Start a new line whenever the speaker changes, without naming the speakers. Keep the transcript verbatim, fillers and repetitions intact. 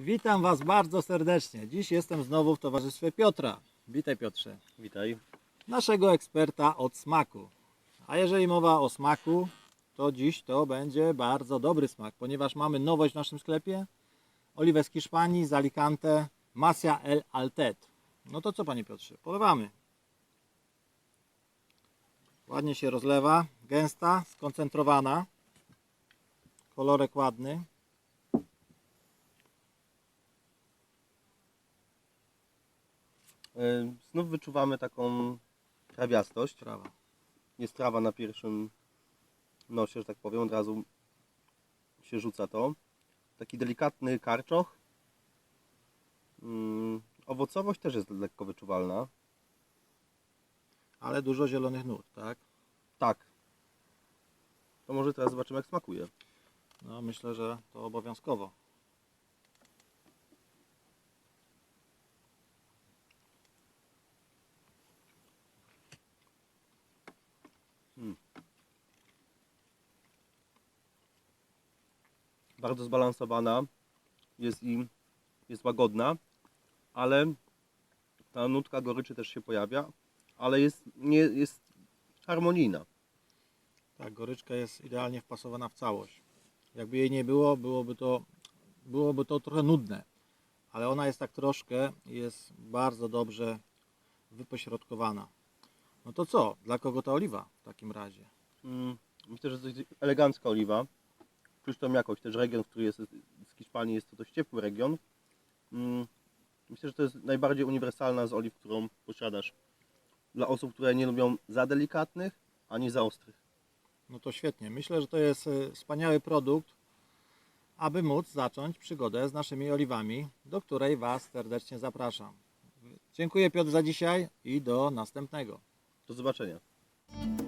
Witam Was bardzo serdecznie. Dziś jestem znowu w towarzystwie Piotra. Witaj, Piotrze.
Witaj.
Naszego eksperta od smaku. A jeżeli mowa o smaku, to dziś to będzie bardzo dobry smak, ponieważ mamy nowość w naszym sklepie. Oliwę z Hiszpanii, z Alicante, Masia El Altet. No to co, Panie Piotrze? Polewamy. Ładnie się rozlewa, gęsta, skoncentrowana. Kolorek ładny.
Yy, Znów wyczuwamy taką trawiastość.
Trawa.
Jest trawa na pierwszym nosie, że tak powiem, od razu się rzuca to. Taki delikatny karczoch. Yy, Owocowość też jest lekko wyczuwalna.
Ale dużo zielonych nut, tak?
Tak. To może teraz zobaczymy, jak smakuje.
No myślę, że to obowiązkowo.
Hmm. Bardzo zbalansowana. Jest i jest łagodna, ale ta nutka goryczy też się pojawia, ale jest, nie, jest harmonijna.
Tak, goryczka jest idealnie wpasowana w całość. Jakby jej nie było, byłoby to, byłoby to trochę nudne. Ale ona jest tak troszkę, jest bardzo dobrze wypośrodkowana. No to co? Dla kogo ta oliwa w takim razie?
Mm, Myślę, że to jest elegancka oliwa. Czuć tą jakość. Też region, w który jest z Hiszpanii, jest to dość ciepły region. Mm, Myślę, że to jest najbardziej uniwersalna z oliw, którą posiadasz. Dla osób, które nie lubią za delikatnych, ani za ostrych.
No to świetnie. Myślę, że to jest e, wspaniały produkt, aby móc zacząć przygodę z naszymi oliwami, do której Was serdecznie zapraszam. Dziękuję, Piotr, za dzisiaj i do następnego.
Do zobaczenia.